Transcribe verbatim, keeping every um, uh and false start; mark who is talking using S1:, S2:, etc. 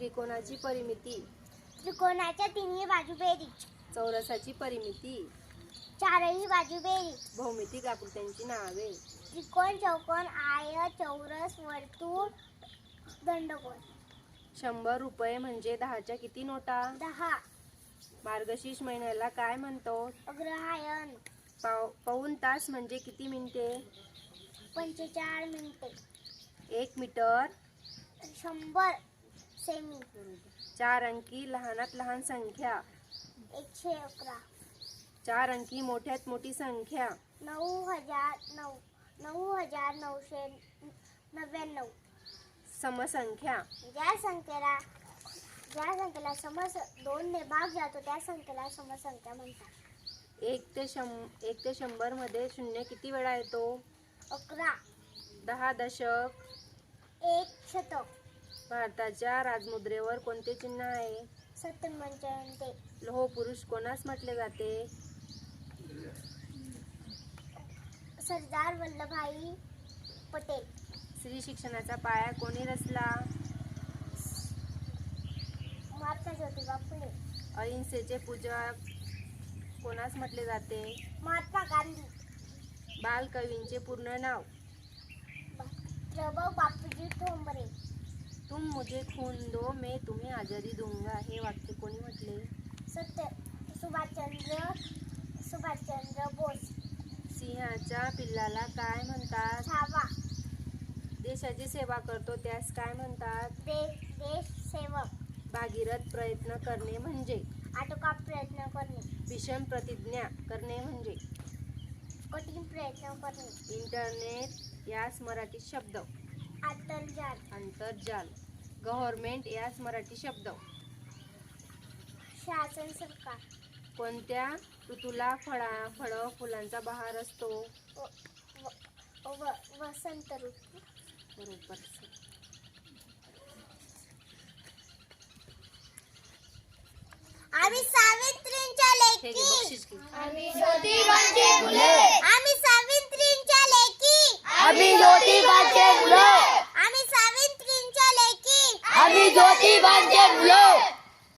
S1: त्रिकोणाची परिमिती.
S2: त्रिकोणाच्या तिन्ही बाजू बेरीज.
S1: चौरसाची परिमिती.
S2: चारही बाजू बेरीज.
S1: भौमितिक आकृत्यांची नावे.
S2: त्रिकोण, चौकोन, आयत, चौरस, वर्तुळ, दंडगोल.
S1: शंभर रुपये म्हणजे दहाच्या किती नोटा?
S2: दहा.
S1: मार्गशीर्ष महिन्याला काय म्हणतो?
S2: अग्रहायण.
S1: पाव पाऊण तास म्हणजे किती मिनिटे?
S2: पंचेचाळीस मिनिटे.
S1: एक मीटर.
S2: शंभर सेमी.
S1: चार अंकी लहानात लहान संख्या.
S2: एकशे अकरा.
S1: चार अंकी मोठ्यात मोठी संख्या.
S2: नऊ हजार नऊ नऊ हजार नऊशे नव्याण्णव.
S1: समसंख्या.
S2: ज्या संख्येला ज्या संख्येला समस दोन ने भाग जातो त्या संख्येला समसंख्या म्हणतात.
S1: एक ते शं एक ते शंभर मध्ये शून्य किती वेळा येतो?
S2: अकरा.
S1: दहा दशक.
S2: एक शतक.
S1: भारताच्या राजमुद्रेवर कोणते चिन्ह आहे?
S2: सत्तर.
S1: लोह पुरुष कोणास म्हटले जाते?
S2: सरदार वल्लभभाई पटेल.
S1: स्त्री शिक्षणाचा पाया कोणी रचला?
S2: महात्मा ज्योतिबा फुले.
S1: अहिंसेचे पूजक कोणास म्हटले जाते?
S2: महात्मा गांधी.
S1: बालकवींचे पूर्ण नाव?
S2: प्रभू बापूजी ठोंबरे.
S1: तुम मुझे खून दो मैं तुम्हें आजादी दूंगा हे वाक्य कोणी म्हटले?
S2: सत्य सुभाषचंद्र सुभाषचंद्र बोस.
S1: सिंहाच्या पिल्लाला काय म्हणतात?
S2: छावा.
S1: देशाची सेवा करतो त्यास काय म्हणतात?
S2: देश देश सेवक.
S1: भागीरथ प्रयत्न करणे म्हणजे?
S2: आटोकाट प्रयत्न करणे.
S1: भीषण प्रतिज्ञा करणे म्हणजे?
S2: कठीण प्रयत्न करणे.
S1: इंटरनेट यास मराठी शब्द?
S2: आंतरजाल.
S1: आंतरजाल. गव्हर्नमेंट यास मराठी शब्द?
S2: शासन सरकार.
S1: कोणत्या ऋतूला फळा फळ फुलांचा बहार असतो?
S2: व, व, व, वसंत ऋतू.
S1: बरोबर.
S2: आम्ही सावित्रींच्या
S1: हे घे,
S2: लेकी.
S1: बक्षीस घे.
S2: आम्ही ज्योतिबांचे मुले. आम्ही सावित्रींच्या लेकी.
S3: आम्ही ज्योतिबांचे मुलं.
S2: आम्ही सावित्रींच्या लेकी.
S3: आम्ही ज्योतिबांचे मुलं.